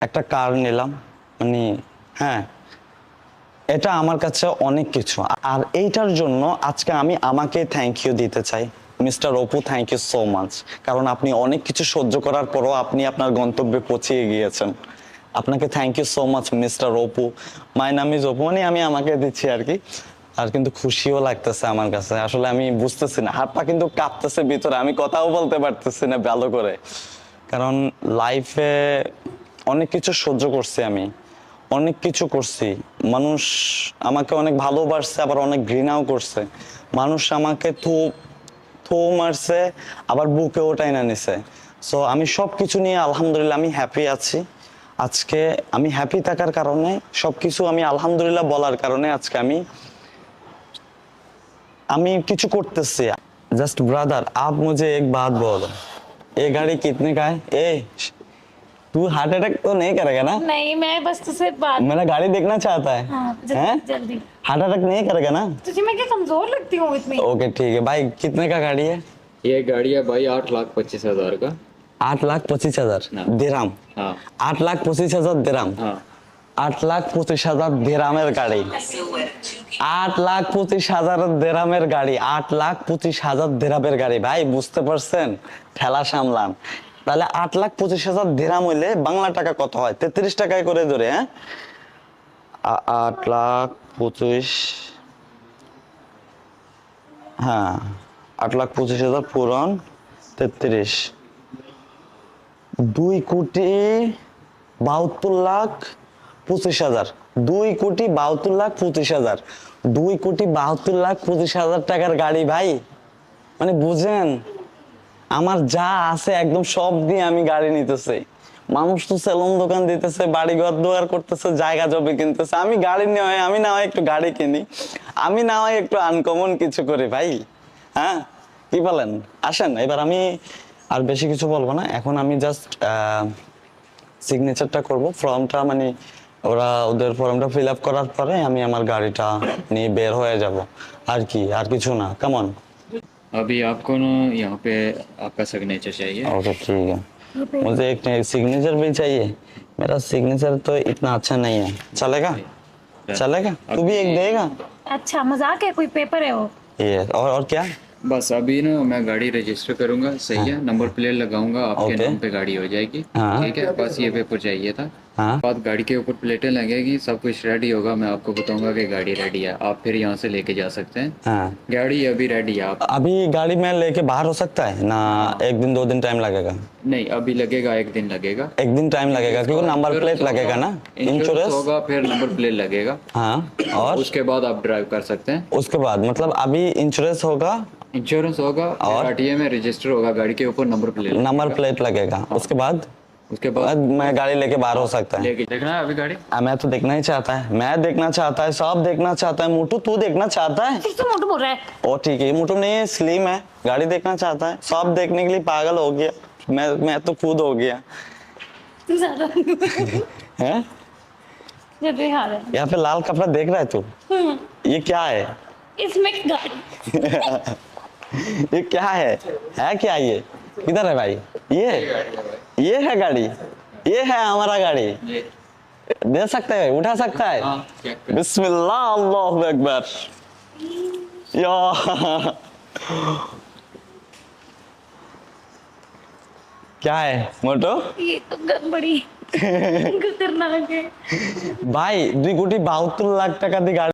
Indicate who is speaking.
Speaker 1: একটা কার নিলাম, মানে হ্যাঁ, এটা আমার কাছে অনেক কিছু। আর এইটার জন্য আজকে আমি আমাকে থ্যাংক ইউ দিতে চাই। Mister Apu, thank you so much. কারণ আপনি অনেক কিছু সহ্য করার পরও আপনি আপনার গন্তব্যে পৌঁছে গিয়েছেন। আপনাকে thank you so much mister Apu. My নাম ইজ অপু, মানে আমি আমাকে দিচ্ছি আর কি। আর কিন্তু খুশিও লাগতেছে আমার কাছে, আসলে আমি বুঝতেছি না, হাত পা কিন্তু কাঁপতেছে ভিতরে, আমি কথাও বলতে পারতেছি না ভালো করে। কারণ লাইফে অনেক কিছু সহ্য করছি আমি, অনেক কিছু করছি। মানুষ আমাকে অনেক ভালোবাসছে, আবার অনেক ঘৃণাও করছে। মানুষ আমাকে থু মারছে, আবার বুকে ওটাই না নিছে। সো আমি সব কিছু নিয়ে আলহামদুলিল্লাহ আমি হ্যাপি আছি। আজকে আমি হ্যাপি থাকার কারণে, সবকিছু আমি আলহামদুলিল্লাহ বলার কারণে আজকে আমি আমি কিছু করতেছি। जस्ट ब्रदर आप मुझे एक बात बोलो, ये गाड़ी कितने का है? ए तू हार्ट अटैक तो नहीं करेगा ना?
Speaker 2: नहीं, मैं बस तुझसे बात।
Speaker 1: मेरा गाड़ी देखना चाहता है।
Speaker 2: हाँ,
Speaker 1: हैं?
Speaker 2: जल्दी।
Speaker 1: हार्ट अटैक नहीं करेगा ना?
Speaker 2: तुझे मैं क्या कमजोर लगती हूँ इतनी?
Speaker 1: ओके ठीक है भाई, कितने का गाड़ी है?
Speaker 3: ये गाड़ी है भाई 8,25,000 का।
Speaker 1: 8,25,000
Speaker 3: हाँ।
Speaker 1: दिरहम।
Speaker 3: हाँ
Speaker 1: 8,25,000 दिरहम।
Speaker 3: हाँ
Speaker 1: 8,25,000 दिरहमेर गाड़ी। 8,25,000 दिरहमेर गाड़ी। 8,25,000 दिरहमेर गाड़ी ভাই, বুঝতে পারছেন? ঠেলা সামলান। তাহলে 8,25,000 দিরহাম হইলে বাংলা টাকা কত হয়? 33 টাকায় করে ধরে, হ্যাঁ? 8,25,000, হ্যাঁ, 8,25,000 পূরণ 33, 2,72,25,000। 2,72,25,000। 2,72,25,000 টাকার গাড়ি ভাই, মানে বুঝেন, আমার যা আছে একদম সব দিয়ে আমি গাড়ি নিতেছি। মানুষ তো সেলুন দোকান দিতেছে, বাড়ি ঘর দোয়ার করতেছে, জায়গা জমি কিনতেছে, আমি গাড়ি নিয়ে হয়, আমি না হয় একটু গাড়ি কিনি, আমি না হয় একটু আনকমন কিছু করি ভাই। হ্যাঁ, কি বলেন? আসেন এবার, আমি আর বেশি কিছু বলবো না, এখন আমি জাস্ট সিগনেচারটা করব, ফর্মটা মানে ওরা ওদের ফর্মটা ফিল আপ করার পরে আমি আমার গাড়িটা নিয়ে বের হয়ে যাব আর কি, আর কিছু না। কেমন?
Speaker 3: अभी आपको ना यहाँ पे आपका सिग्नेचर चाहिए।
Speaker 1: ओके ठीक है, मुझे एक सिग्नेचर भी चाहिए। मेरा सिग्नेचर तो इतना अच्छा नहीं है, चलेगा? चलेगा? तू भी एक देगा?
Speaker 2: अच्छा मजाक है, कोई पेपर है वो?
Speaker 1: ये और क्या?
Speaker 3: बस अभी ना मैं गाड़ी रजिस्टर करूंगा, सही है, नंबर प्लेट लगाऊंगा, आपके
Speaker 1: ओके।
Speaker 3: नाम पे गाड़ी हो जाएगी।
Speaker 1: हाँ।
Speaker 3: ठीक है, बस ये पेपर चाहिए था।
Speaker 1: हाँ।
Speaker 3: बाद गाड़ी के ऊपर प्लेटें लगेगी, सब कुछ रेडी होगा, मैं आपको बताऊंगा कि गाड़ी रेडी है, आप फिर यहाँ से लेके जा सकते हैं।
Speaker 1: हाँ,
Speaker 3: गाड़ी अभी रेडी है। आप
Speaker 1: अभी गाड़ी में लेके बाहर हो सकता है ना? एक दिन 2 दिन टाइम लगेगा?
Speaker 3: नहीं, अभी लगेगा, एक दिन लगेगा।
Speaker 1: एक दिन टाइम लगेगा क्योंकि नंबर प्लेट लगेगा ना, इंश्योरेंस
Speaker 3: होगा, फिर नंबर प्लेट लगेगा।
Speaker 1: हाँ, और
Speaker 3: उसके बाद आप ड्राइव कर सकते हैं।
Speaker 1: उसके बाद मतलब अभी इंश्योरेंस होगा,
Speaker 3: इंश्योरेंस होगा और आरटीए में रजिस्टर होगा, गाड़ी के ऊपर नंबर
Speaker 1: प्लेट लगेगा। उसके बाद
Speaker 3: उसके बाद
Speaker 1: मैं गाड़ी लेके बाहर हो सकता है?
Speaker 3: लेके देखना है अभी गाड़ी।
Speaker 1: मैं तो देखना ही चाहता है, मैं देखना चाहता है, सब देखना चाहता है। मोटू तू देखना चाहता है?
Speaker 2: फिर तो मोटू बोल रहा है।
Speaker 1: ओ ठीक है, मोटू नहीं है, स्लिम है, गाड़ी देखना चाहता है, सब देखने के लिए पागल हो गया। मैं तो खुद हो गया
Speaker 2: तू ज्यादा
Speaker 1: है।
Speaker 2: जब ये हाल है।
Speaker 1: यहाँ पे लाल कपड़ा देख रहा है तू? ये क्या है?
Speaker 2: इसमें गाड़ी।
Speaker 1: ये क्या है क्या ये? किधर है भाई? ये है गाड़ी, ये है हमारा गाड़ी। दे सकते हैं, उठा सकता है?
Speaker 3: हाँ, चेक कर।
Speaker 1: बिस्मिल्लाह, अल्लाहु अकबर। या क्या है मोटो?
Speaker 2: ये तो बड़ी खतरनाक है
Speaker 1: भाई 2,72,00,000 টাকা দিয়ে গাড়ি